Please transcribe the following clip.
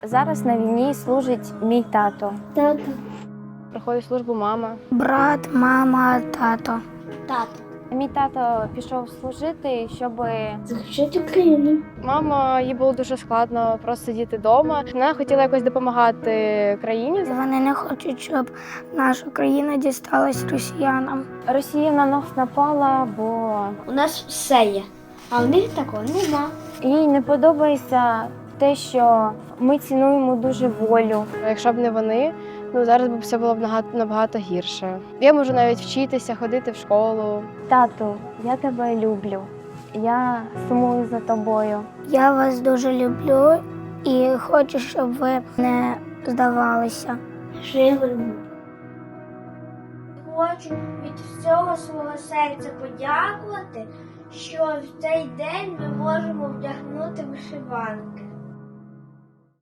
Зараз на війні служить мій тато. Тато. Проходить службу мама. Брат, мама, тато. Тато. Мій тато пішов служити, щоб Захищати Україну. мама, їй було дуже складно просто сидіти вдома. Вона хотіла якось допомагати країні. Вони не хочуть, щоб наша країна дісталась росіянам. Росія на нас напала, бо У нас все є, а у них такого нема. їй не подобається те, що ми цінуємо дуже волю. Якщо б не вони, зараз б все було б набагато гірше. Я можу навіть вчитися, ходити в школу. Тату, я тебе люблю. Я сумую за тобою. Я вас дуже люблю і хочу, щоб ви не здавалися. Живемо. Хочу від всього свого серця подякувати, що в цей день ми можемо вдягнути вишиванки.